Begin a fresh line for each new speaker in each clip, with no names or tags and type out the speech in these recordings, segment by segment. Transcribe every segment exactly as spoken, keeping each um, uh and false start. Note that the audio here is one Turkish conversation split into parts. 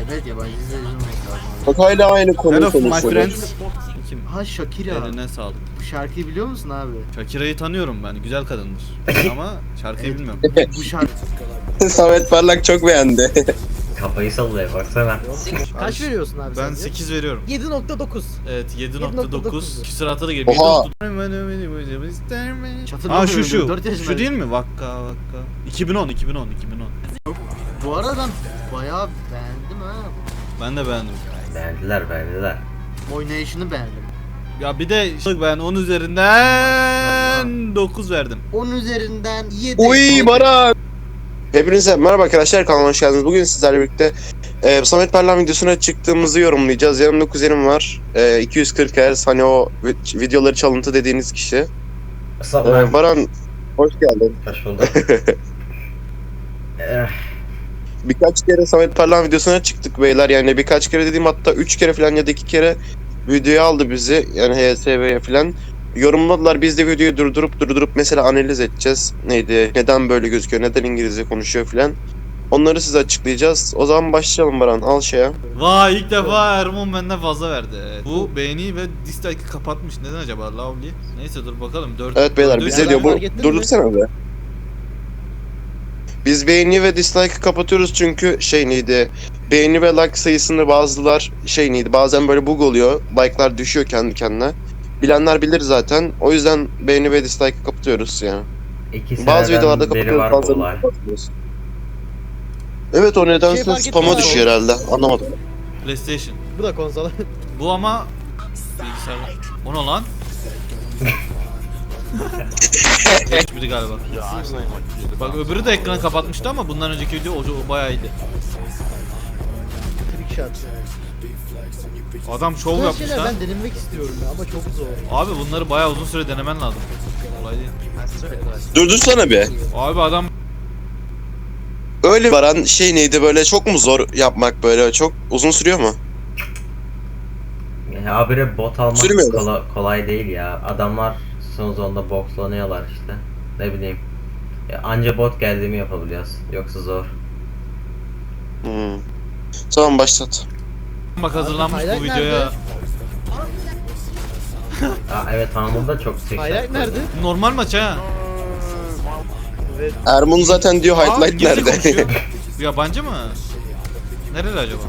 Evet yabancı izleyicim olması lazım.
Bak hala aynı konuyu
Hello my
konuşuyoruz.
friends. Kim?
Ha Shakira.
Eline sağlık.
Bu şarkıyı biliyor musun abi?
Shakira'yı tanıyorum ben. Güzel kadındır. Ama şarkıyı
Evet.
bilmiyorum.
Bu şarkı
Samet Parlak çok beğendi.
Kafayı sallıyor baksana.
Kaç veriyorsun abi
Ben
sence?
sekiz veriyorum.
yedi nokta dokuz.
Evet yedi nokta dokuz.
yedi nokta dokuz.
Küsuratı da geliyor.
Oha.
Aa şu şu.
dört yaşındayım.
Şu değil mi? Vakka vakka. iki bin on iki bin on iki bin on.
Bu arada ben bayağı beğendim ha.
Ben de beğendim.
Beğendiler beğendiler.
Oynayışını beğendim.
Ya bir de ben on üzerinden dokuz verdim.
on üzerinden yedi.
Uy Baran. Hepinize merhaba arkadaşlar, kanalıma hoş geldiniz. Bugün sizlerle birlikte e, Samet Parlak videosuna çıktığımızı yorumlayacağız. Yanımda kuzenim var. E, iki yüz kırk hertz, hani o vi- videoları çalıntı dediğiniz kişi.
Sağ
E, Baran hoş geldin.
Hoş bulduk. Eh,
Birkaç kere Samet Parlak videosuna çıktık beyler. Yani birkaç kere dediğim, hatta üç kere falan ya da iki kere videoya aldı bizi. Yani H S V'ye falan. Yorumladılar, biz de videoyu durdurup durdurup mesela analiz edeceğiz. Neydi, neden böyle gözüküyor, neden İngilizce konuşuyor falan. Onları size açıklayacağız. O zaman başlayalım Baran, al şeye.
Vay, ilk defa Ermon benden fazla verdi. Evet. Bu beğeni ve dislike'ı kapatmış. Neden acaba Lovely? Neyse dur bakalım. dört
Evet beyler,
dördü
bize
üç-
diyor bu,
fark ettin mi?
durdursana be. Biz beğeni ve dislike'ı kapatıyoruz çünkü şey neydi, beğeni ve like sayısını bazılar şey neydi, bazen böyle bug oluyor. Like'lar düşüyor kendi kendine. Bilenler bilir zaten. O yüzden beğeni ve dislike'ı kapatıyoruz yani.
İki
Bazı
seneden
videolarda
beri
kapatıyoruz,
var bu
bazılarını
olay.
kapatmıyoruz. Evet, o nedense
Şey fark
spam'a
ettim
düşüyor
abi.
herhalde. Anlamadım.
PlayStation.
Bu da konsol.
Bu ama bilgisayar. O ne lan? Hiçbiri galiba. Bak öbürü de ekranı kapatmıştı ama bundan önceki video o, o bayağı iyiydi.
Trick shot.
Adam şov
Bu
yapmış
şeyler
lan.
ben denemek istiyorum ya ama çok zor.
Abi bunları bayağı uzun süre denemen lazım. Kolay değil.
Durdursana be.
Abi adam
Öyle Baran, şey neydi, böyle çok mu zor yapmak, böyle çok uzun sürüyor mu?
Ya habire bot almak
Sürmüyor mu?
kola- kolay değil ya. Adamlar son zonda boxlanıyorlar işte. Ne bileyim. Ya anca bot geldiğimi yapabiliyoruz. Yoksa zor.
Hmm. Tamam, başlat.
bak hazırlanmış bu
Highlight
videoya.
nerede?
Aa, evet Hamur'da da çok tek
Highlight nerede?
Normal maç ha.
Evet.
Ermun zaten diyor
Aa,
highlight
İngilizce
nerede?
konuşuyor. Bu yabancı mı? Nereli acaba?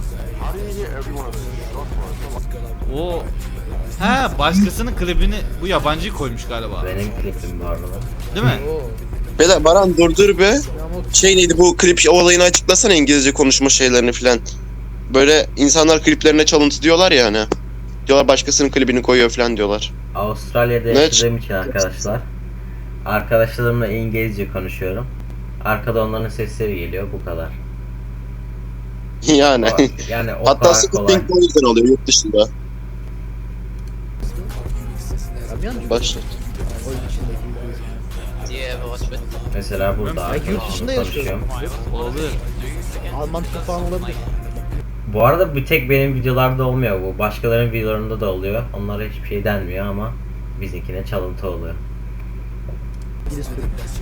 O ha, başkasının klibini bu yabancı koymuş galiba.
benim klipim bu arada.
Değil mi?
Oo.
Beyler Baran durdur be.
Ama
Şey neydi, bu klip olayını açıklasana, İngilizce konuşma şeylerini filan. Böyle insanlar kliplerine çalıntı diyorlar ya hani. Diyorlar başkasının klibini koyuyor filan diyorlar.
Avustralya'da
Ne?
yaşadığım için arkadaşlar. Arkadaşlarımla İngilizce konuşuyorum. Arkada onların sesleri geliyor, bu kadar.
Yani.
O- yani o
Hatta
kadar
sıkıntı
kolay.
pink o yüzden oluyor yurt dışında.
Abi yanlış.
Başlat.
Oyun içindeki.
Mesela burada
Ben yurt dışında
arkadaşımla
yaşıyorum.
konuşuyorum.
Olabilir.
Alman tipi falan olabilir.
Bu arada bir tek benim videolarda olmuyor bu. Başkalarının videolarında da oluyor. Onlara hiçbir şey denmiyor ama bizimkine çalıntı oluyor.
İngiliz Türk.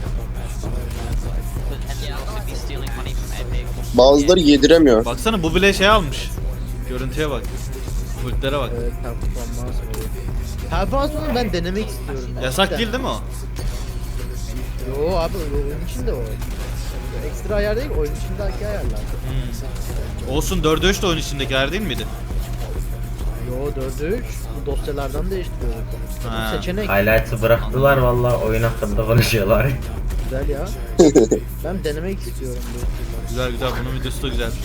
Bazıları yediremiyor.
Baksana bu bile şey almış. Görüntüye bak. Kultlere bak.
Evet, performans oluyor. Performansını ben denemek istiyorum. ya.
Yasak
Cidden.
değil değil mi o?
Yo abi oyun içinde o. Ekstra ayar değil, oyun içindeki ayarlar.
Hmm. Olsun, dörde üç de oyun içindekiler değil miydi?
Yo dörde üç bu dosyalardan değiştiriyoruz.
Ha.
Bu seçenek
Highlights'ı bıraktılar valla, oyun hakkında konuşuyorlar.
güzel ya. Ben denemek istiyorum bu.
Güzel güzel, bunun videosu da güzel.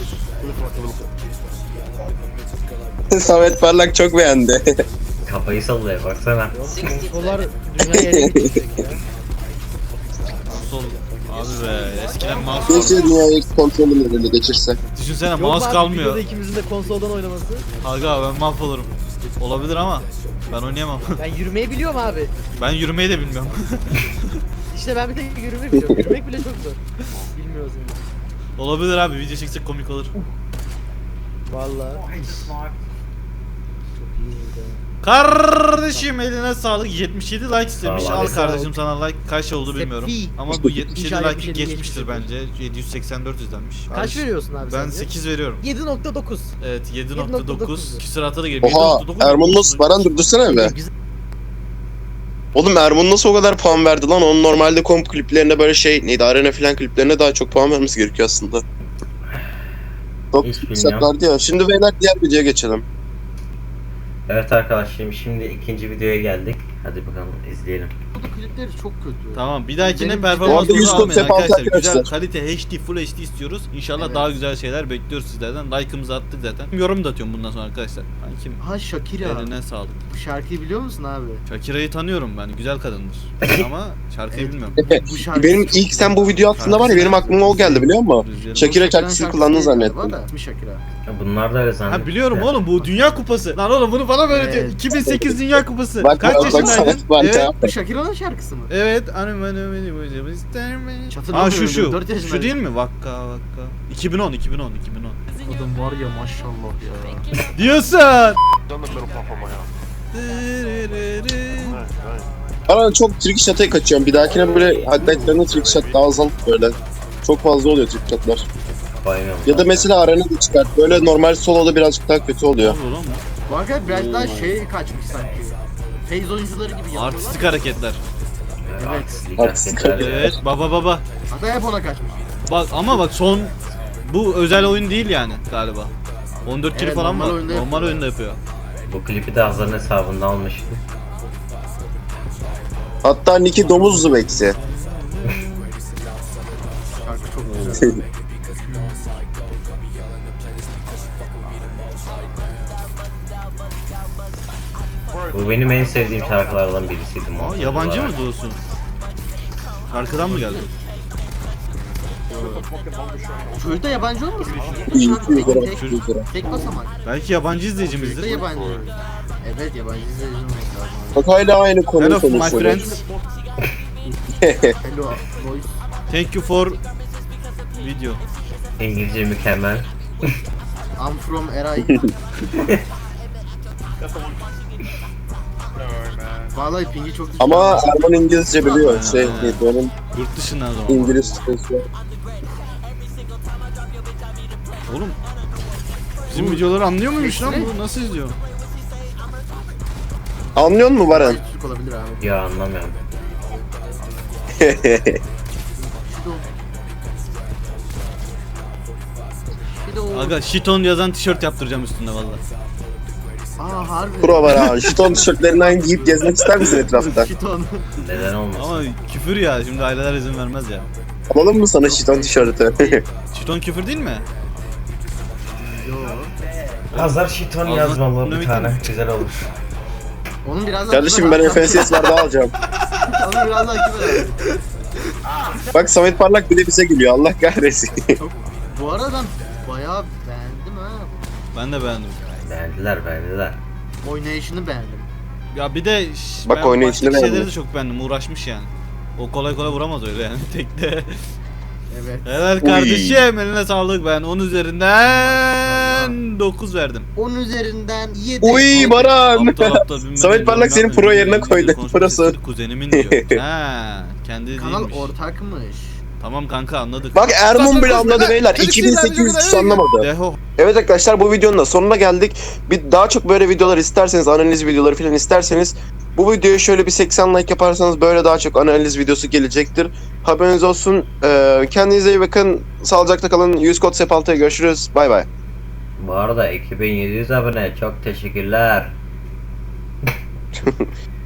Samet Parlak çok beğendi.
Kafayı sallıyor baksana.
Yok konsollar dünyaya ele geçecek ya.
Konsol. Abi be, eskiden mouse
Keşke
vardı.
dünyayı kontrolün önüne geçirse.
Düşünsene
Yok
mouse
abi,
kalmıyor.
videoda ikimizin de konsoldan oynaması.
Aga ben mahvolurum. Olabilir ama ben oynayamam.
Ben yürümeyi biliyorum abi.
Ben yürümeyi de bilmiyorum.
İşte ben bir tek yürümeyi biliyorum. Yürümek bile çok zor. Bilmiyorsun.
Olabilir abi, video çeksek komik olur.
Vallahi. Çok iyi oldu.
Kardeşim eline sağlık. yetmiş yedi like istemiş.
Sağ ol
Al
abi.
kardeşim sana like. Kaç oldu bilmiyorum.
Sefi.
Ama bu yetmiş yedi
İnşallah
like'ı
yetmiş yedi
geçmiştir
geçmiştir.
bence. yedi yüz seksen dört izlenmiş.
Kaç
Kardeşim,
veriyorsun abi
Ben
sence?
sekiz veriyorum.
yedi nokta dokuz.
Evet yedi
yedi
nokta
nokta
dokuz.
dokuz.
Küsuratı da geliyor.
Oha
yedi nokta dokuz.
Erman nasıl? Baran durdursana be.
Güzel.
Oğlum Erman nasıl o kadar puan verdi lan? Onun normalde komp kliplerine böyle şey neydi arena falan kliplerine daha çok puan vermesi gerekiyor aslında. Çok
Hiç bilmiyorum.
yükseklerdi ya. Şimdi beyler diğer videoya geçelim.
Evet arkadaşlarım şimdi ikinci videoya geldik. Hadi bakalım izleyelim.
Bu klipleri çok kötü.
Tamam bir dahakine
Benim-
performans
Bu arada yüz
bozu almayın
kod
arkadaşlar.
sefa
Güzel
arkadaşlar.
kalite H D Full H D istiyoruz. İnşallah
Evet.
daha güzel şeyler bekliyoruz sizlerden. Like'ımızı attık zaten. Yorum da atıyorum bundan sonra arkadaşlar. Ben kim?
Ha Shakira.
Eline sağlık.
Bu şarkıyı biliyor musun abi?
Shakira'yı tanıyorum ben. Güzel kadındır. Ama şarkıyı
Evet.
bilmiyorum.
Bu şarkı
Benim ilk sen bu video attığında var ya benim aklıma o geldi biliyor musun?
Rüzgarı-
Shakira şarkısını kullandın zannettim.
İsmi Shakira.
Ya bunlar da öyle zannediyor.
Ha biliyorum oğlum bu Dünya Kupası. Lan oğlum bunu bana böyle diyor.
Evet.
iki bin sekiz Dünya Kupası.
Bak
Kaç
bak bak
yaşındaydın?
sana bak
Evet.
ya.
Bu Shakira'nın şarkısı mı?
Evet. Anam anam beni böyle ister mi?
Hatırlamıyorum,
Ha şu şu.
dört yaşındaydım.
Şu değil mi? Vakka vakka. iki bin on iki bin on iki bin on.
Adam var ya maşallah ya.
Diyorsun.
Baran çok trick shot'a kaçıyorum. Bir dahakine böyle highlightlarına trick shot daha azalıp böyle. Çok fazla oluyor trick shot'lar.
Bayılıyorum.
Ya da mesela arena da çıkart. Böyle normal solo'da birazcık daha kötü oluyor.
Ne oluyor lan bu?
Bu arkadaş biraz daha şey kaçmış sanki. Phase oyuncuları gibi yapıyorlar.
Artistik hareketler.
Artistlik
Artistlik
hareketler.
Evet baba baba.
Hatta hep ona kaçmış.
Bak ama bak son bu özel oyun değil yani galiba. on dört kili
Evet,
falan
normal
var.
oyunda
Normal
yapıyor.
oyunda yapıyor.
Bu klipi de Hazar'ın hesabından almıştım.
Hatta Nicky domuzlu beksi.
Şarkı çok güzel.
Bu benim en sevdiğim şarkılardan birisiydi.
Aa,
muhakkak
yabancı
olarak.
mı diyorsun? Şarkıdan mı geldi?
Çocuk da yabancı olmasın?
İyi,
Şarkı
iyi,
tek,
iyi,
tek,
iyi, iyi.
tek basamak.
Belki yabancı
Çocuk da
izleyicimizdir.
yabancı. Evet yabancı izleyici olmak lazım.
Bak hala aynı konuyu
Hello my
konuşuyoruz.
friends.
Hello voice.
Thank you for video.
İngilizce mükemmel.
I'm from Eray. Vallahi pingi çok düşük.
Ama Erman İngilizce biliyor. Şey, neydi onun
Yurt dışından o zaman.
İngiliz sitesi.
Oğlum. Bizim videoları anlıyor muymuş lan
Sesli.
bu? Nasıl izliyor?
Anlıyor musun Baran?
Türk olabilir abi.
Ya anlamıyorum.
Şido. Şido.
Aga Shiton yazan tişört yaptıracağım üstünde valla.
Aa harbi.
Pro var ha. Şiton tişörtlerinden giyip gezmek ister misin etrafta?
Şiton.
Neden olmasın?
Ama küfür ya şimdi aileler izin vermez ya.
Alalım mı sana şiton tişörtü?
Shiton küfür değil mi?
Yo.
Hazar Shiton
Ağzına-
yazmalı
Ne
bir tane. Güzel olur.
Onun biraz daha
Kardeşim ben F S S var daha alacağım.
Onu biraz daha kibar abi.
Bak Samet Parlak bile bize gülüyor. Allah kahretsin.
Bu arada ben bayağı beğendim ha.
Ben de beğendim.
Beğendiler beğendiler.
Oynayışını beğendim.
Ya bir de ş-
Bak
ben
oynayışını
baştaki şeyleri
beğendim.
de çok beğendim. Uğraşmış yani. O kolay kolay vuramaz öyle yani tekte.
Evet.
Helal kardeşim eline sağlık ben on üzerinden dokuz verdim.
on üzerinden yedi.
Uy Baran.
Aptal aptal bilmem
Samet
ne,
Parlak
bilmem
seni
ne,
pro
bilmem
yerine
ne,
koydu.
konuşma
Prosu.
sesleri Kuzenimin diyor. Ha, kendi
Kanal
değilmiş.
ortakmış.
Tamam kanka anladık.
Bak Erman bile
Konuşma
anladı
lan.
beyler.
Seni
iki bin sekiz yüz
sinirlendirme,
kişi anlamadı.
Deho.
Evet arkadaşlar bu videonun da sonuna geldik. Bir daha çok böyle videolar isterseniz, analiz videoları falan isterseniz bu videoya şöyle bir seksen like yaparsanız böyle daha çok analiz videosu gelecektir. Haberiniz olsun. Ee, kendinize iyi bakın. Sağlıcakla kalın. yüz kod sepaltıya görüşürüz. Bay bay.
Bu arada iki bin yedi yüz abone çok teşekkürler.